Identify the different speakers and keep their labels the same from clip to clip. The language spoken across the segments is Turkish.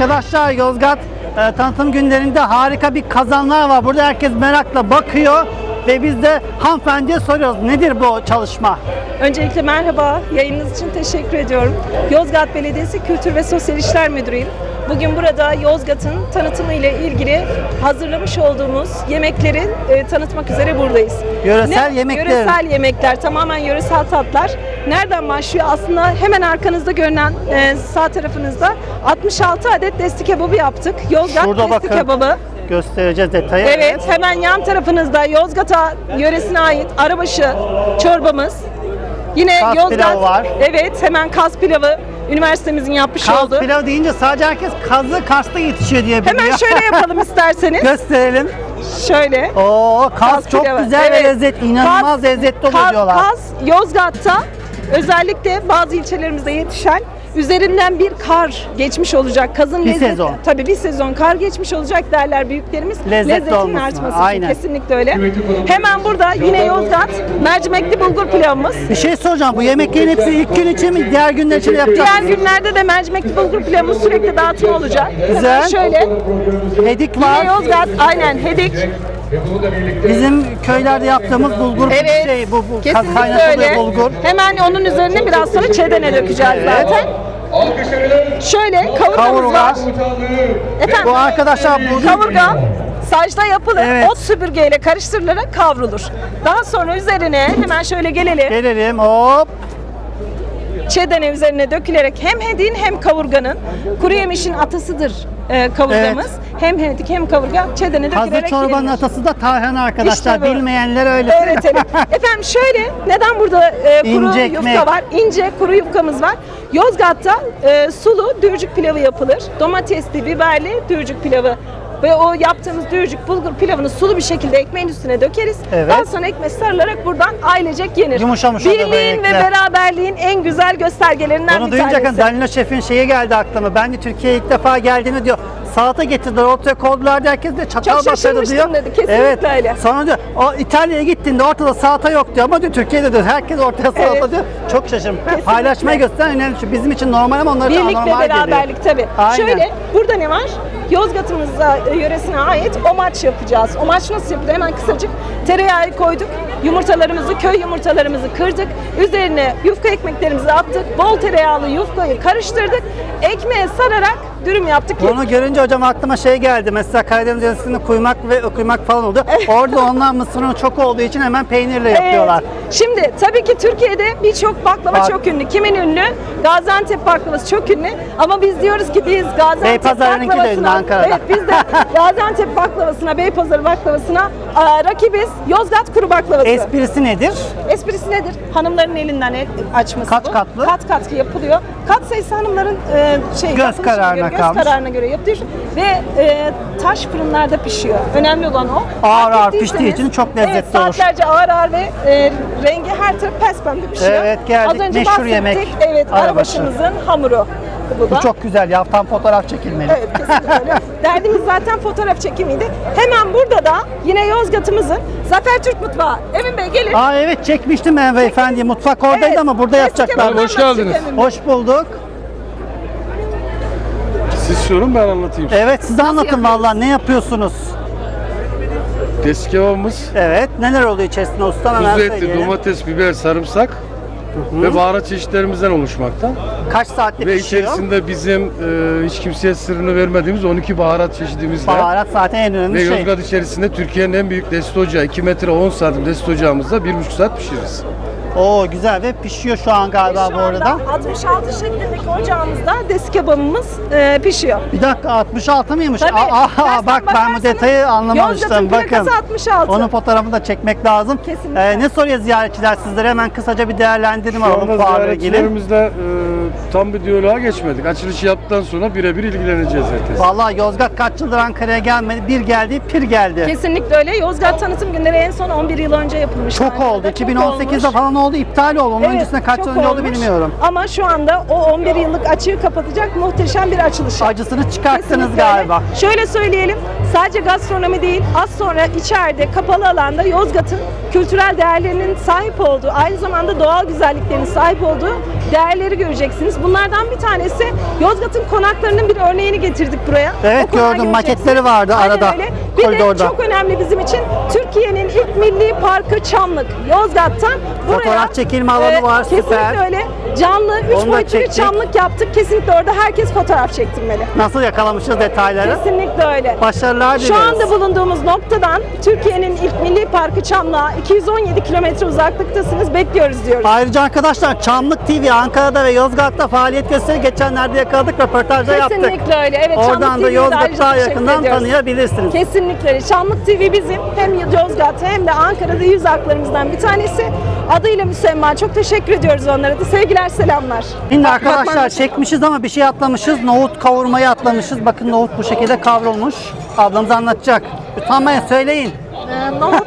Speaker 1: Arkadaşlar Yozgat tanıtım günlerinde harika bir kazanlar var. Burada herkes merakla bakıyor ve biz de hanımefendiye soruyoruz. Nedir bu çalışma?
Speaker 2: Öncelikle merhaba, yayınınız için teşekkür ediyorum. Yozgat Belediyesi Kültür ve Sosyal İşler Müdürüyüm. Bugün burada Yozgat'ın tanıtımı ile ilgili hazırlamış olduğumuz yemekleri tanıtmak üzere buradayız.
Speaker 1: Yöresel yemekler.
Speaker 2: Yöresel yemekler, tamamen yöresel tatlar. Nereden başlıyor? Aslında hemen arkanızda görünen sağ tarafınızda 66 adet desti kebabı yaptık. Yozgat
Speaker 1: Şurada
Speaker 2: desti
Speaker 1: bakın.
Speaker 2: kebabı.
Speaker 1: Göstereceğiz detayı.
Speaker 2: Evet, hemen yan tarafınızda Yozgat'a yöresine ait arabaşı çorbamız. Yine
Speaker 1: Kaz
Speaker 2: Yozgat,
Speaker 1: pilavı var.
Speaker 2: Evet, hemen Kaz pilavı üniversitemizin yapmış
Speaker 1: Kaz
Speaker 2: olduğu.
Speaker 1: pilav deyince sadece herkes kazı Kars'ta yetişiyor diye biliyor.
Speaker 2: Hemen şöyle yapalım isterseniz.
Speaker 1: Gösterelim.
Speaker 2: Şöyle.
Speaker 1: Oo, Kaz çok
Speaker 2: pilavı.
Speaker 1: güzel
Speaker 2: Evet.
Speaker 1: ve lezzetli. İnanılmaz
Speaker 2: Kaz-
Speaker 1: lezzetli oluyor diyorlar.
Speaker 2: Kaz Yozgat'ta özellikle bazı ilçelerimizde yetişen, üzerinden bir kar geçmiş olacak. Kazın
Speaker 1: Bir
Speaker 2: lezzeti.
Speaker 1: sezon.
Speaker 2: Tabii bir sezon kar geçmiş olacak derler büyüklerimiz.
Speaker 1: Lezzetli
Speaker 2: Lezzetinin
Speaker 1: olmasına,
Speaker 2: artması
Speaker 1: aynen.
Speaker 2: için kesinlikle öyle. Hemen burada yine Yozgat mercimekli bulgur pilavımız.
Speaker 1: Bir şey soracağım. Bu yemeklerin hepsi ilk gün için mi? Diğer günler için de yapacak
Speaker 2: Diğer
Speaker 1: mısınız?
Speaker 2: günlerde de mercimekli bulgur pilavımız sürekli dağıtım olacak.
Speaker 1: Güzel.
Speaker 2: Hemen şöyle.
Speaker 1: Hedik
Speaker 2: Yine
Speaker 1: var.
Speaker 2: Yozgat, aynen Hedik.
Speaker 1: Bizim köylerde yaptığımız bulgur
Speaker 2: Evet.
Speaker 1: bu
Speaker 2: Kesinlikle
Speaker 1: kaynatılı
Speaker 2: öyle.
Speaker 1: bulgur.
Speaker 2: Hemen onun üzerine biraz sonra çedene dökeceğiz zaten. Şöyle kavurgamız var. Efendim,
Speaker 1: Bu arkadaşlar bu
Speaker 2: kavurga sacda yapılır.
Speaker 1: Evet.
Speaker 2: Ot süpürgeyle karıştırılarak kavrulur. Daha sonra üzerine hemen şöyle
Speaker 1: gelelim. Hop.
Speaker 2: çedene üzerine dökülerek hem hedin hem kavurganın kuru yemişin atasıdır kavurgamız. Hem hedik hem kavurga çedene dökülerek
Speaker 1: Hazır çorbanın
Speaker 2: yenir.
Speaker 1: atası da tarhana arkadaşlar.
Speaker 2: İşte bu.
Speaker 1: Bilmeyenler öyle.
Speaker 2: Öğretelim. Efendim şöyle, neden burada kuru
Speaker 1: İnce ekmek.
Speaker 2: yufka var? İnce kuru yufkamız var. Yozgat'ta sulu dürcük pilavı yapılır. Domatesli, biberli dürcük pilavı. Ve o yaptığımız dürcük bulgur pilavını sulu bir şekilde ekmeğin üstüne dökeriz.
Speaker 1: Evet.
Speaker 2: Daha sonra ekmek sarılarak buradan ailecek yenir.
Speaker 1: Yumuşamış olur
Speaker 2: Birliğin ve
Speaker 1: böylelikle.
Speaker 2: beraberliğin en güzel göstergelerinden
Speaker 1: Bunu
Speaker 2: bir
Speaker 1: duyunca
Speaker 2: tanesi.
Speaker 1: Danilo Şef'in şeyi geldi aklıma. Ben de Türkiye'ye ilk defa geldiğini diyor. Salata getirdiler, ortaya koydular diye herkes de çatal
Speaker 2: Çok
Speaker 1: batırdı
Speaker 2: şaşırmıştım
Speaker 1: diyor.
Speaker 2: dedi, kesinlikle
Speaker 1: Evet.
Speaker 2: öyle.
Speaker 1: Sonra diyor, o İtalya'ya gittiğinde ortada salata yok diyor ama diyor Türkiye'de diyor herkes ortaya salata
Speaker 2: Evet.
Speaker 1: diyor. Çok şaşırdım.
Speaker 2: Kesinlikle.
Speaker 1: Paylaşmayı gösteren önemli. Şu bizim için normal ama onlar için
Speaker 2: Birlik ve
Speaker 1: anormal geliyor.
Speaker 2: beraberlik tabii.
Speaker 1: Aynen.
Speaker 2: Şöyle, burada ne var? Yozgat'ımıza, yöresine ait omaç yapacağız. Omaç nasıl yapılıyor? Hemen kısacık tereyağı koyduk. Yumurtalarımızı, köy yumurtalarımızı kırdık. Üzerine yufka ekmeklerimizi attık. Bol tereyağlı yufkayı karıştırdık. Ekmeğe sararak dürüm yaptık.
Speaker 1: Bunu görünce hocam aklıma şey geldi. Mesela Karadeniz yöresinde kuymak falan oldu. Orada onlar mısır unu çok olduğu için hemen peynirle yapıyorlar.
Speaker 2: Evet. Şimdi tabii ki Türkiye'de birçok baklava çok ünlü. Kimin ünlü? Gaziantep baklavası çok ünlü. Ama biz diyoruz ki biz Gaziantep
Speaker 1: Beypazarı'nınki de ünlü Ankara'da.
Speaker 2: Evet, biz de Gaziantep baklavasına, Beypazarı baklavasına rakibiz. Yozgat kuru baklavası.
Speaker 1: Esprisi nedir?
Speaker 2: Esprisi nedir? Hanımların elinden açması
Speaker 1: Kaç
Speaker 2: bu.
Speaker 1: katlı?
Speaker 2: Kat kat yapılıyor. Kat sayısı hanımların yapılışına
Speaker 1: kararına
Speaker 2: göre,
Speaker 1: kalmış.
Speaker 2: göz kararına göre yapılıyor. Ve taş fırınlarda pişiyor. Önemli olan o.
Speaker 1: Ağır
Speaker 2: Fark
Speaker 1: ağır piştiği
Speaker 2: ettiyseniz,
Speaker 1: için çok lezzetli
Speaker 2: evet,
Speaker 1: olur.
Speaker 2: saatlerce ağır ağır ve rengi her taraf pespembe pişiyor.
Speaker 1: Evet, geldik.
Speaker 2: Az önce
Speaker 1: Meşhur
Speaker 2: bahsettik.
Speaker 1: yemek.
Speaker 2: Evet,
Speaker 1: Arabaşı.
Speaker 2: arabaşımızın hamuru. Bu da.
Speaker 1: Bu çok güzel ya. Tam fotoğraf çekilmeli.
Speaker 2: Evet, kesinlikle öyle. Derdimiz zaten fotoğraf çekimiydi. Hemen burada da yine Yozgat'ımızın Zafer Türk Mutfağı. Emin Bey gelin.
Speaker 1: Aa evet çekmiştim ben beyefendi. Mutfak oradaydı
Speaker 2: Evet,
Speaker 1: ama burada
Speaker 2: eski
Speaker 1: yapacaklar.
Speaker 2: kebaplar
Speaker 3: Hoş geldiniz.
Speaker 2: Emin Bey.
Speaker 1: Hoş bulduk.
Speaker 3: Siz sorun ben anlatayım.
Speaker 1: Evet siz anlatın
Speaker 2: yapıyoruz?
Speaker 1: vallahi ne yapıyorsunuz?
Speaker 3: Desi kebabımız
Speaker 1: Evet neler oluyor içerisinde ustam hemen
Speaker 3: kuzu eti,
Speaker 1: söyleyelim.
Speaker 3: domates, biber, sarımsak ve baharat çeşitlerimizden oluşmakta.
Speaker 1: Kaç saatte
Speaker 3: Ve
Speaker 1: pişiyor?
Speaker 3: içerisinde bizim hiç kimseye sırrını vermediğimiz 12 baharat çeşidimiz var.
Speaker 1: Baharat zaten en
Speaker 3: Ve
Speaker 1: önemli şey.
Speaker 3: Yozgat içerisinde Türkiye'nin en büyük desti ocağı 2 metre 10 santim desti ocağımızda 1,5 saat pişiririz.
Speaker 1: Oo güzel ve pişiyor şu an galiba
Speaker 2: Şu
Speaker 1: bu arada.
Speaker 2: anda 66 şeklindeki ocağımızda desi kebabımız pişiyor.
Speaker 1: Bir dakika 66 mıymış?
Speaker 2: Tabii. Tersten
Speaker 1: Bak ben bu
Speaker 2: bakarsanız
Speaker 1: detayı anlamamıştım.
Speaker 2: Yozgat'ın
Speaker 1: Bakın.
Speaker 2: plakası 66.
Speaker 1: Onun fotoğrafını da çekmek lazım.
Speaker 2: Kesinlikle.
Speaker 1: Ne soruyor ziyaretçiler sizlere? Hemen kısaca bir değerlendirelim
Speaker 3: Şu
Speaker 1: alalım
Speaker 3: anda
Speaker 1: fuarla ilgili.
Speaker 3: ziyaretçilerimizle tam bir diyaloğa geçmedik. Açılışı yaptıktan sonra birebir ilgileneceğiz herkes.
Speaker 1: Vallahi Yozgat kaç yıldır Ankara'ya gelmedi. Bir geldi, pir geldi.
Speaker 2: Kesinlikle öyle. Yozgat tanıtım günleri en son 11 yıl önce yapılmış.
Speaker 1: Çok oldu.
Speaker 2: Ankara'da. Çok
Speaker 1: 2018'de
Speaker 2: olmuş.
Speaker 1: falan oldu? İptal oldu. Onun öncesinde kaç
Speaker 2: çok
Speaker 1: yıl önce oldu
Speaker 2: olmuş.
Speaker 1: bilmiyorum.
Speaker 2: Ama şu anda o 11 yıllık açığı kapatacak muhteşem bir açılış.
Speaker 1: Acısını çıkarttınız
Speaker 2: Kesinlikle
Speaker 1: galiba.
Speaker 2: öyle. Şöyle söyleyelim, sadece gastronomi değil, az sonra içeride kapalı alanda Yozgat'ın kültürel değerlerinin sahip olduğu, aynı zamanda doğal güzelliklerinin sahip olduğu değerleri göreceksiniz. Bunlardan bir tanesi Yozgat'ın konaklarının bir örneğini getirdik buraya.
Speaker 1: Evet,
Speaker 2: O konağı
Speaker 1: gördüm.
Speaker 2: göreceksiniz.
Speaker 1: Maketleri vardı
Speaker 2: Aynen
Speaker 1: arada,
Speaker 2: öyle. Bir
Speaker 1: koridorda.
Speaker 2: de çok önemli bizim için Türkiye'nin ilk milli parkı Çamlık. Yozgat'tan buraya
Speaker 1: Fotoğraf çekilme alanı var, süper.
Speaker 2: Kesinlikle öyle. Canlı, 3
Speaker 1: Onu da
Speaker 2: boyutlu bir
Speaker 1: çektik.
Speaker 2: Çamlık yaptık. Kesinlikle orada herkes fotoğraf çektirmeli.
Speaker 1: Nasıl yakalamışız detayları?
Speaker 2: Kesinlikle öyle.
Speaker 1: Başarılar
Speaker 2: Şu
Speaker 1: dileriz.
Speaker 2: anda bulunduğumuz noktadan Türkiye'nin ilk milli parkı Çamlık'a 217 kilometre uzaklıktasınız. Bekliyoruz diyoruz.
Speaker 1: Ayrıca arkadaşlar Çamlık TV Ankara'da ve Yozgat'ta faaliyet gösteri geçenlerde yakaladık, röportajda yaptık.
Speaker 2: Kesinlikle öyle. Evet,
Speaker 1: Oradan
Speaker 2: Çamlık
Speaker 1: da
Speaker 2: TV'yi
Speaker 1: Yozgat'ı
Speaker 2: ayrıca
Speaker 1: daha
Speaker 2: teşekkür
Speaker 1: yakından
Speaker 2: ediyoruz.
Speaker 1: tanıyabilirsiniz.
Speaker 2: Kesinlikle öyle. Çamlık TV bizim hem Yozgat'ta hem de Ankara'da yüz haklarımızdan bir tanesi. Adıyla müsemma. Çok teşekkür ediyoruz onlara da. Sevgiler, selamlar.
Speaker 1: Şimdi
Speaker 2: Bak-
Speaker 1: arkadaşlar
Speaker 2: bakman-
Speaker 1: çekmişiz ama bir şey atlamışız. Nohut kavurmayı atlamışız. Bakın nohut bu şekilde kavrulmuş. Ablamız anlatacak. Utanmayın, söyleyin.
Speaker 4: Nohut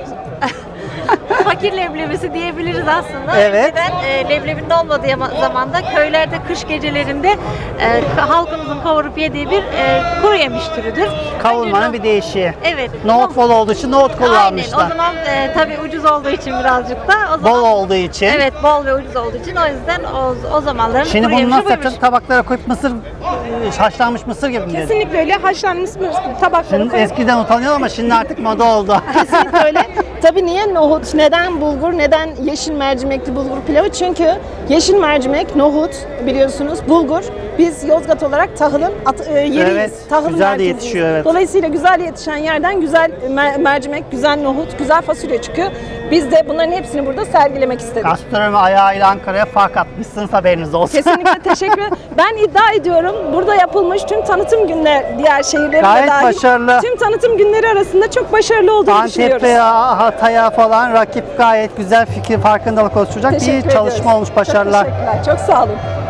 Speaker 4: fakir leblebisi diyebiliriz aslında.
Speaker 1: Evet.
Speaker 4: Önceden leblebinin olmadığı zamanda köylerde kış gecelerinde halkımızın kavurup yediği bir kuru yemiş türüdür.
Speaker 1: Kavurmanın
Speaker 4: Önce
Speaker 1: bir değişiği.
Speaker 4: Evet.
Speaker 1: Nohut bol olduğu için nohut
Speaker 4: Aynen.
Speaker 1: kullanmışlar.
Speaker 4: O zaman tabii ucuz olduğu için birazcık da o zaman
Speaker 1: Bol olduğu için.
Speaker 4: Evet, bol ve ucuz olduğu için o yüzden o zamanların
Speaker 1: Şimdi
Speaker 4: kuru
Speaker 1: bunu
Speaker 4: yemişi
Speaker 1: nasıl
Speaker 4: buymuş.
Speaker 1: yapacağız? Tabaklara koyup mısır, haşlanmış mısır gibi mi diyelim?
Speaker 2: Kesinlikle öyle. Haşlanmış tabaklara
Speaker 1: Şimdi
Speaker 2: koyup
Speaker 1: eskiden utanıyor ama şimdi artık moda oldu.
Speaker 2: kesinlikle öyle. Tabii niye nohut, neden bulgur, neden yeşil mercimekli bulgur pilavı? Çünkü yeşil mercimek, nohut biliyorsunuz, bulgur. Biz Yozgat olarak tahılın yeriyiz.
Speaker 1: Evet,
Speaker 2: Tahılın
Speaker 1: güzel de
Speaker 2: merkeziyiz.
Speaker 1: yetişiyor, evet.
Speaker 2: Dolayısıyla güzel yetişen yerden güzel mercimek, güzel nohut, güzel fasulye çıkıyor. Biz de bunların hepsini burada sergilemek istedik.
Speaker 1: Gastronomi ayağıyla Ankara'ya fark atmışsınız, haberiniz olsun.
Speaker 2: Kesinlikle teşekkür ederim. Ben iddia ediyorum burada yapılmış tüm tanıtım günleri diğer şehirlere
Speaker 1: Gayet
Speaker 2: dahil
Speaker 1: başarılı.
Speaker 2: tüm tanıtım günleri arasında çok başarılı olduğunu düşünüyoruz.
Speaker 1: Antep'e, Hatay'a falan rakip gayet güzel fikir, farkındalık oluşturacak
Speaker 2: Teşekkür
Speaker 1: bir çalışma
Speaker 2: ediyoruz.
Speaker 1: olmuş. Başarılar.
Speaker 2: Çok teşekkürler. Çok sağ olun.